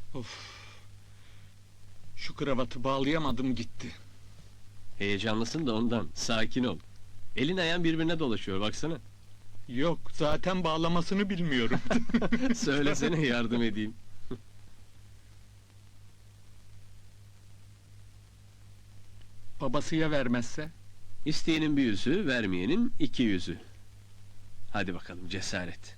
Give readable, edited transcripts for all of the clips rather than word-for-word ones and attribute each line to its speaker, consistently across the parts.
Speaker 1: Of. Şu kravatı bağlayamadım gitti.
Speaker 2: Heyecanlısın da ondan. Sakin ol. Elin ayağın birbirine dolaşıyor baksana.
Speaker 1: Yok, zaten bağlamasını bilmiyorum.
Speaker 2: Söylesene yardım edeyim.
Speaker 1: Babası ya vermezse?
Speaker 2: İsteyenin bir yüzü, vermeyenin iki yüzü. Hadi bakalım cesaret.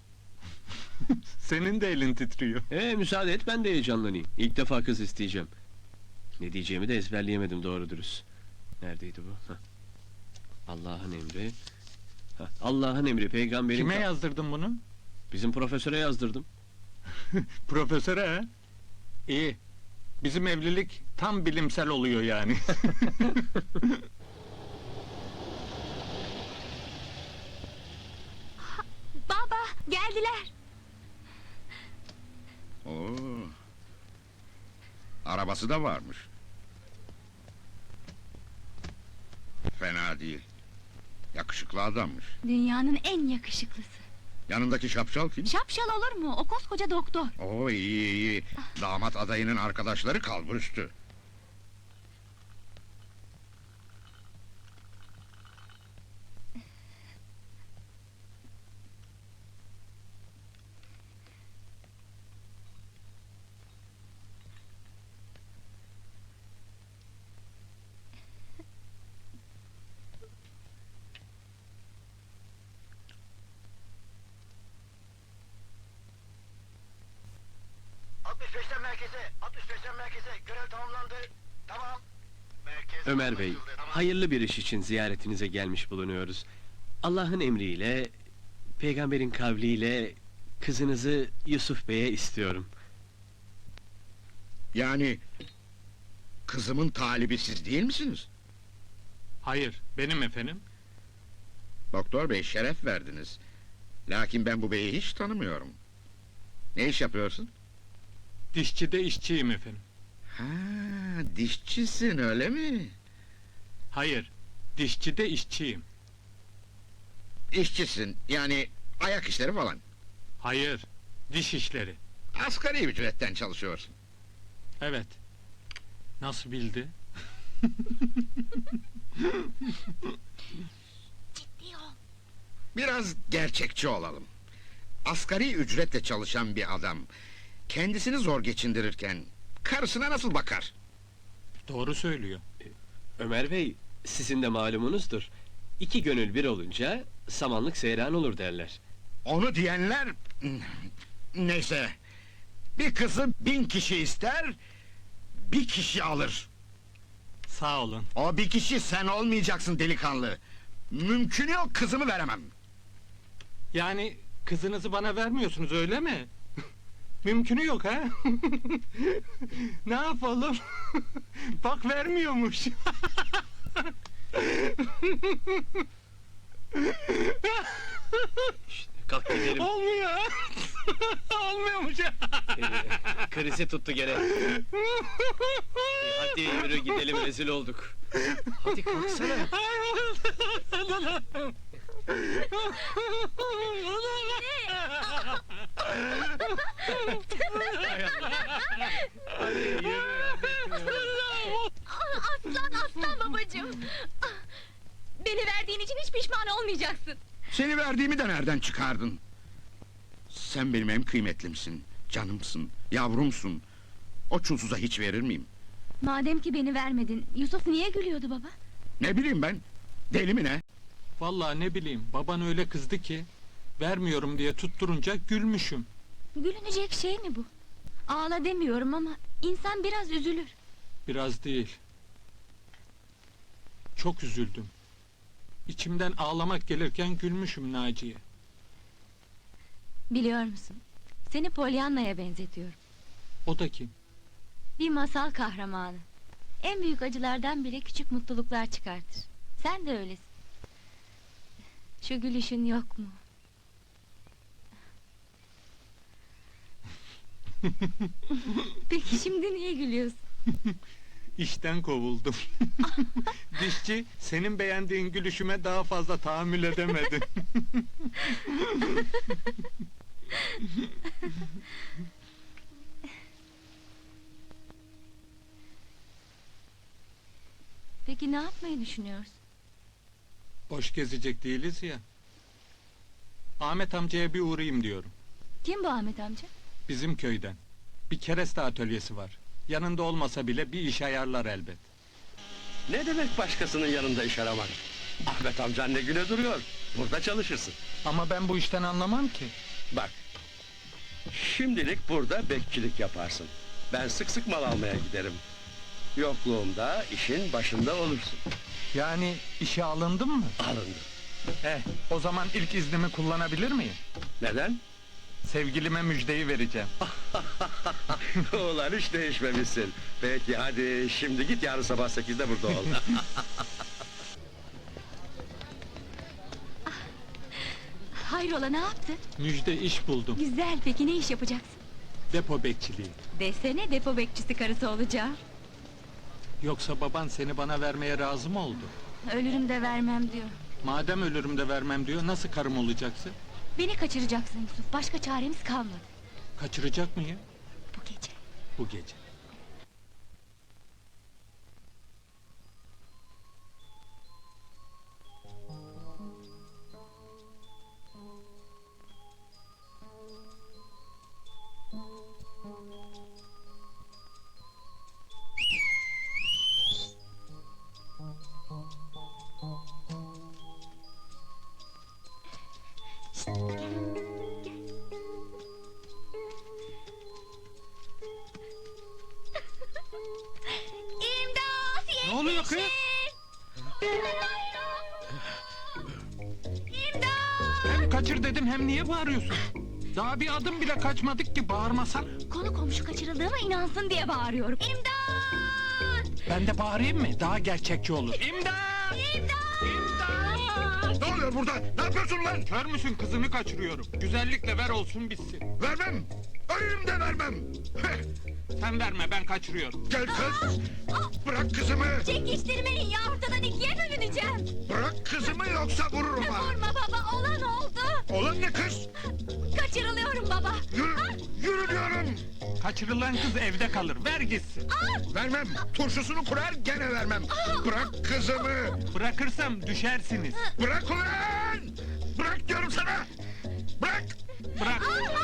Speaker 1: Senin de elin titriyor.
Speaker 2: Müsaade et ben de heyecanlanayım. İlk defa kız isteyeceğim. Ne diyeceğimi de ezberleyemedim doğru dürüst. Neredeydi bu? Hah. Allah'ın emri. Hah, Allah'ın emri peygamberin...
Speaker 1: Kime yazdırdın bunu?
Speaker 2: Bizim profesöre yazdırdım.
Speaker 1: Profesöre ha? İyi. Bizim evlilik tam bilimsel oluyor yani.
Speaker 3: Baba, geldiler.
Speaker 4: Oo. Arabası da varmış. Fena değil. Yakışıklı adammış.
Speaker 3: Dünyanın en yakışıklısı.
Speaker 4: Yanındaki şapşal kim?
Speaker 3: Şapşal olur mu? O koskoca doktor.
Speaker 4: Oo, iyi. Damat adayının arkadaşları kalburüstü.
Speaker 5: Merkeze, görev tamamlandı. Tamam. Merkez
Speaker 2: Ömer Bey,
Speaker 5: anlaşıldı, tamam.
Speaker 2: hayırlı bir iş için ziyaretinize gelmiş bulunuyoruz. Allah'ın emriyle, peygamberin kavliyle kızınızı Yusuf Bey'e istiyorum.
Speaker 4: Yani... Kızımın talibi siz değil misiniz?
Speaker 1: Hayır, benim efendim.
Speaker 4: Doktor bey şeref verdiniz. Lakin ben bu beyi hiç tanımıyorum. Ne iş yapıyorsun?
Speaker 1: Dişçide işçiyim efendim.
Speaker 4: Ha, dişçisin öyle mi?
Speaker 1: Hayır, dişçide işçiyim.
Speaker 4: İşçisin, yani ayak işleri falan.
Speaker 1: Hayır, diş işleri.
Speaker 4: Asgari ücretten çalışıyorsun.
Speaker 1: Evet. Nasıl bildi?
Speaker 3: Ciddi ol.
Speaker 4: Biraz gerçekçi olalım. Asgari ücretle çalışan bir adam... ...kendisini zor geçindirirken... ...karısına nasıl bakar?
Speaker 1: Doğru söylüyor.
Speaker 2: Ömer Bey, sizin de malumunuzdur. İki gönül bir olunca samanlık seyran olur derler.
Speaker 4: Onu diyenler... Neyse... ...bir kızı 1000 kişi ister... ...bir kişi alır.
Speaker 1: Sağ olun.
Speaker 4: O bir kişi sen olmayacaksın delikanlı. Mümkünü yok, kızımı veremem.
Speaker 1: Yani kızınızı bana vermiyorsunuz öyle mi? Mümkünü yok ha? Ne yapalım? Bak vermiyormuş.
Speaker 2: İşte, kalk gidelim.
Speaker 1: Olmuyor. Olmuyormuş.
Speaker 2: Krizi tuttu gene. Hadi yürü gidelim, rezil olduk. Hadi kalksana. Hadi yürü.
Speaker 3: Aslan babacığım. Beni verdiğin için hiç pişman olmayacaksın.
Speaker 4: Seni verdiğimi de nereden çıkardın? Sen benim en kıymetlimsin, canımsın, yavrumsun. O çulsuza hiç verir miyim?
Speaker 3: Madem ki beni vermedin, Yusuf niye gülüyordu baba?
Speaker 4: Ne bileyim ben, deli mi ne?
Speaker 1: Vallahi ne bileyim, baban öyle kızdı ki... ...vermiyorum diye tutturunca gülmüşüm.
Speaker 3: Gülünecek şey mi bu? Ağla demiyorum ama insan biraz üzülür.
Speaker 1: Biraz değil. Çok üzüldüm. İçimden ağlamak gelirken gülmüşüm Naciye.
Speaker 3: Biliyor musun? Seni Pollyanna'ya benzetiyorum.
Speaker 1: O da kim?
Speaker 3: Bir masal kahramanı. En büyük acılardan bile küçük mutluluklar çıkartır. Sen de öylesin. Şu gülüşün yok mu? Peki şimdi niye gülüyorsun?
Speaker 1: İşten kovuldum. Dişçi, senin beğendiğin gülüşüme daha fazla tahammül edemedi.
Speaker 3: Peki ne yapmayı düşünüyorsun?
Speaker 1: Boş gezecek değiliz ya. Ahmet amcaya bir uğrayayım diyorum.
Speaker 3: Kim bu Ahmet amca?
Speaker 1: Bizim köyden. Bir kereste atölyesi var. Yanında olmasa bile bir iş ayarlar elbet.
Speaker 6: Ne demek başkasının yanında iş aramak? Ahmet amcan ne güne duruyor. Burada çalışırsın.
Speaker 1: Ama ben bu işten anlamam ki.
Speaker 6: Bak. Şimdilik burada bekçilik yaparsın. Ben sık sık mal almaya giderim. Yokluğumda işin başında olursun.
Speaker 1: Yani işe alındım mı?
Speaker 6: Alındı.
Speaker 1: O zaman ilk iznimi kullanabilir miyim?
Speaker 6: Neden?
Speaker 1: Sevgilime müjdeyi vereceğim.
Speaker 6: Ulan hiç değişmemişsin. Peki hadi şimdi git, yarın sabah 8'de burada ol.
Speaker 3: Hayrola, ne yaptın?
Speaker 1: Müjde iş buldum.
Speaker 3: Güzel, peki ne iş yapacaksın?
Speaker 1: Depo bekçiliği.
Speaker 3: Desene, depo bekçisi karısı olacağım.
Speaker 1: Yoksa baban seni bana vermeye razı mı oldu?
Speaker 3: Ölürüm de vermem diyor.
Speaker 1: Madem ölürüm de vermem diyor, nasıl karım olacaksın?
Speaker 3: Beni kaçıracaksın Yusuf, başka çaremiz kalmadı.
Speaker 1: Kaçıracak mıyım?
Speaker 3: Bu gece.
Speaker 1: Bu gece.
Speaker 3: İmdat!
Speaker 1: Ne oluyor kız? Hem kaçır dedim, hem niye bağırıyorsun? Daha bir adım bile kaçmadık ki, bağırmasan.
Speaker 3: Konu komşu kaçırıldığıma inansın diye bağırıyorum. İmdat!
Speaker 1: Ben de bağırayım mı? Daha gerçekçi olur. İmdat!
Speaker 4: Ne oluyor burada? Ne yapıyorsun lan?
Speaker 1: Kör müsün, kızını kaçırıyorum. Güzellikle ver olsun bitsin.
Speaker 4: Vermem. Ölürüm de vermem. Heh,
Speaker 1: Sen verme, ben kaçırıyorum.
Speaker 4: gel kız. Bırak kızımı.
Speaker 3: Çekiştirmeyin ya, ortadan ikiye bölüneceğim.
Speaker 4: Bırak kızımı yoksa vururum ha.
Speaker 3: Vurma baba, olan oldu.
Speaker 4: Olan ne kız?
Speaker 3: Kaçırılıyorum baba.
Speaker 4: Yürü, yürü diyorum.
Speaker 1: Kaçırılan kız evde kalır, ver gitsin.
Speaker 4: Vermem. Turşusunu kurar gene vermem. Bırak kızımı.
Speaker 1: Bırakırsam düşersiniz.
Speaker 4: Bırak ulan. Bırak diyorum sana. Bırak.
Speaker 1: Bırak.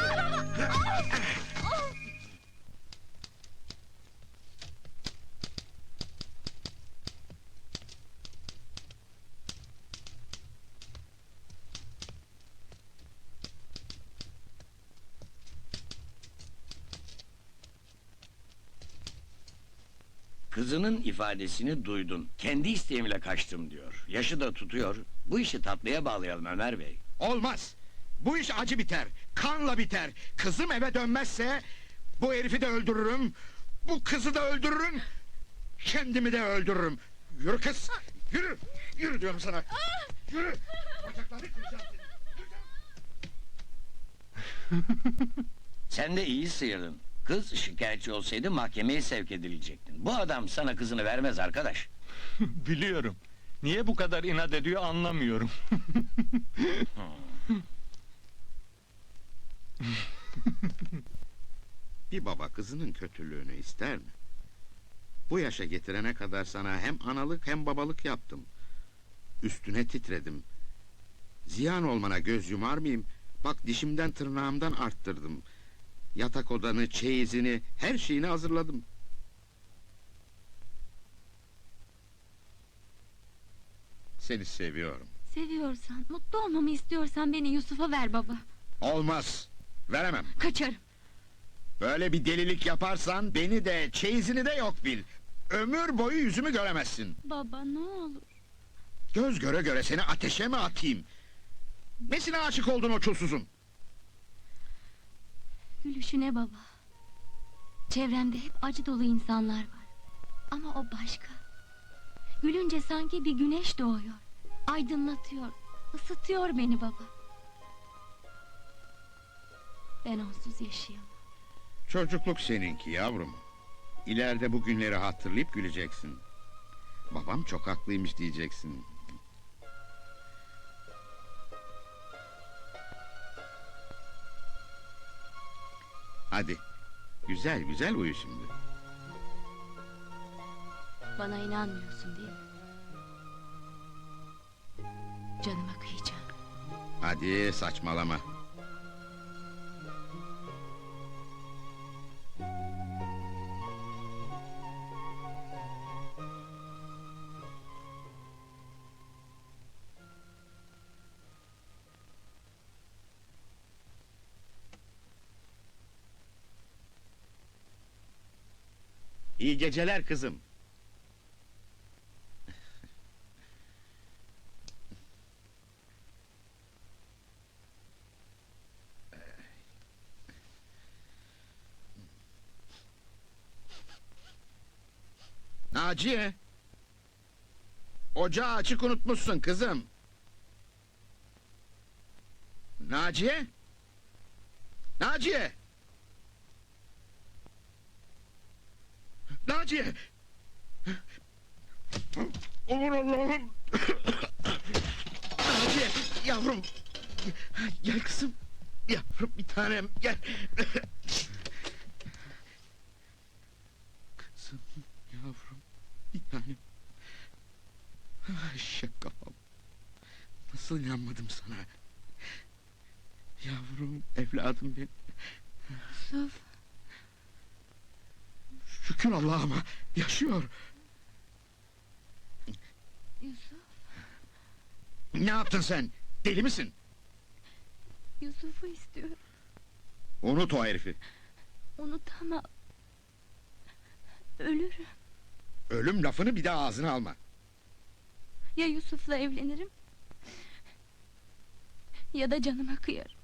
Speaker 7: Kızının ifadesini duydun. Kendi isteğimle kaçtım diyor. Yaşı da tutuyor. Bu işi tatlıya bağlayalım Ömer Bey.
Speaker 4: Olmaz. Bu iş acı biter. Kanla biter. Kızım eve dönmezse bu herifi de öldürürüm. Bu kızı da öldürürüm. Kendimi de öldürürüm. Yürü kız. Yürü. Yürü diyorum sana. Yürü. Bacaklarını kıracağım seni.
Speaker 7: Sen de iyi sıyırdın. Kız şikayetçi olsaydı mahkemeye sevk edilecektin. Bu adam sana kızını vermez arkadaş.
Speaker 1: Biliyorum. Niye bu kadar inat ediyor anlamıyorum.
Speaker 4: Bir baba kızının kötülüğünü ister mi? Bu yaşa getirene kadar sana hem analık hem babalık yaptım. Üstüne titredim. Ziyan olmana göz yumar mıyım? Bak dişimden tırnağımdan arttırdım. Yatak odanı, çeyizini, her şeyini hazırladım. Seni seviyorum.
Speaker 3: Seviyorsan, mutlu olmamı istiyorsan beni Yusuf'a ver baba.
Speaker 4: Olmaz. Veremem.
Speaker 3: Kaçarım.
Speaker 4: Böyle bir delilik yaparsan beni de, çeyizini de yok bil. Ömür boyu yüzümü göremezsin.
Speaker 3: Baba ne olur.
Speaker 4: Göz göre göre seni ateşe mi atayım? Nesine aşık oldun o çulsuzun?
Speaker 3: Gülüşüne baba. Çevremde hep acı dolu insanlar var. Ama o başka. Gülünce sanki bir güneş doğuyor. Aydınlatıyor, ısıtıyor beni baba. Ben onsuz yaşayamam.
Speaker 4: Çocukluk seninki yavrum. İleride bu günleri hatırlayıp güleceksin. Babam çok haklıymış diyeceksin. Hadi, güzel güzel uyu şimdi.
Speaker 3: Bana inanmıyorsun değil mi? Canıma kıyacağım.
Speaker 4: Hadi saçmalama. İyi geceler kızım. Naciye. Ocağı açık unutmuşsun kızım. Naciye. Naciye. Naciye. Aman Allah'ım. Naciye yavrum. Gel kızım. Yavrum bir tanem gel. Kızım yavrum bir tanem. Ay şaka. Nasıl inanmadım sana. Yavrum evladım benim.
Speaker 3: Yusuf,
Speaker 4: Şükür Allah'ıma yaşıyor.
Speaker 3: Yusuf,
Speaker 4: Ne yaptın sen? Deli misin?
Speaker 3: Yusuf'u istiyorum.
Speaker 4: Unut o herifi.
Speaker 3: Unutamam. Ölürüm.
Speaker 4: Ölüm lafını bir daha ağzına alma.
Speaker 3: Ya Yusuf'la evlenirim ya da canıma kıyarım.